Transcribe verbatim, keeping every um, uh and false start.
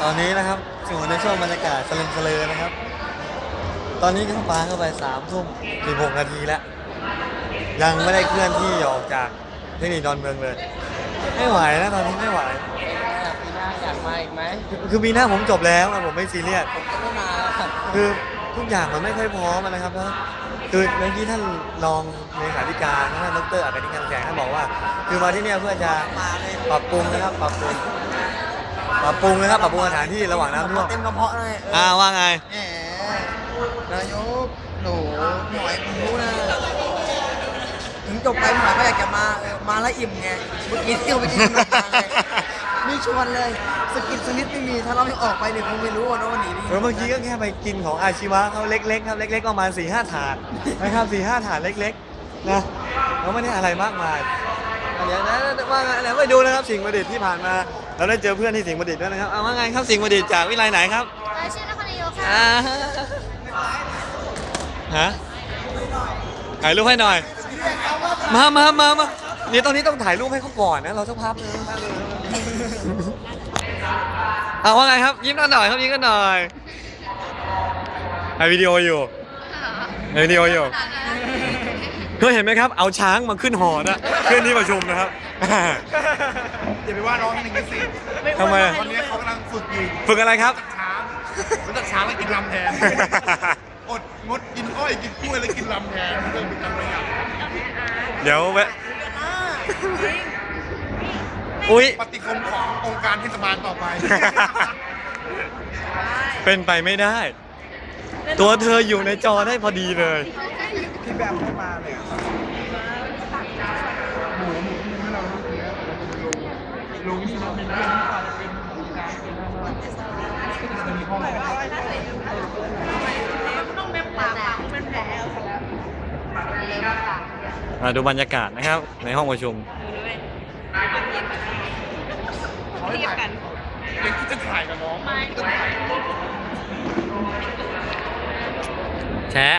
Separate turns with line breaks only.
ตอนนี้นะครับอยู่ในช่วงบรรยากาศสลึมสลือนะครับตอนนี้ก็ปาเข้าไปสามทุ่มสิบหกนาทีแล้วยังไม่ได้เคลื่อนที่ออกจากเทคนิคดอนเมืองเลยไม่ไหวนะตอนนี้ไม่ไหว
ปีหน้าอยากมาอีกไหม
คือคือปีหน้าผมจบแล้วอะผมไม่ซีเรียส
ผมก็ไม่มาแล้วครับ
คือทุกอย่างมันไม่ค่อยพร้อมอะนะครับแล้วคือเมื่อกี้ท่านรองเลขาธิการท่านดรอัครนิการแสงท่านบอกว่า คือมาที่เนี่ยเพื่อจะ
มาเลย
ปรับปรุงนะครับปรับปรุงปรับปรุงนะครับปรับปรุงสถานที่ระหว่างน้ำท่วม
เต็มกระเพาะเลย
อ่าว่าไง
แหมนายกหนูหน่อยผมรู้นะถึงจบไปหมายก็อยากจะมาเออมาแล้วอิ่มไงเมื่อกี้เที่ยวไปกินขนมปังเลยไม่ชวนเลยสกิดสนิทไม่มีถ้าเราไม่ออกไปเนี่ยคงไม่รู้ว่าน้องหนีไป
เออเมื่อกี้ก็แค่ไปกินของอาชีวะเขาเล็กๆครับเล็กๆประมาณสี่ห้าถาดนะครับสี่ห้าถาดเล็กๆนะเราไม่ได้อะไรมากมายเดี๋ยวนะว่าไงไหนไปดูนะครับสิ่งประดิษฐ์ที่ผ่านมาเราได้เจอเพื่อนที่สิ่งประดิษฐ์ด้วยนะครับเอาว่าไงครับสิ่งประดิษฐ์จากวิไลไหนครับ
ชื่อนครนายกค่ะ
อ่าฮะถ่ายรูปให้หน่อยมามามามานี่ตอนนี้ต้องถ่ายรูปให้เขาก่อนนะเราสักพักนึงเอาว่าไงครับยิ้มกันหน่อยครับยิ้มกันหน่อยถ่ายวิดีโออยู่ถ่ายวิดีโออยู่เคยเห็นไหมครับเอาช้างมาขึ้นหอนะขึ้นที่ประชุมนะครับ
อย่าไปว่าน้องหนึ่งสิ
ทำไม
ตอนนี้เขากำลังฝึกอยู่
ฝึกอะไรครับ
ช้างรู้จักช้างแล้วกินลำแทน อดงดกินอ้อยกินกล้วยแล้วกินลำแทนเพื่อเป็นการประหยัด
เดี๋ยวแวะอุ๊ย
ปฏิคมขององค์การเทศบาลต่อไป
เป็นไปไม่ได้ ตัวเธออยู่ในจอได้พอดีเลย
ที่แบบไม่มาเลยหมูหมูที่เราลงที่เราเป็นเรื่องที่เราเป็นการเป็นมีห้อง
มาดูบรรยากาศนะครับในห้องประชุม
เทียบกันเด็กที่จะถ่ายกับน้องไม่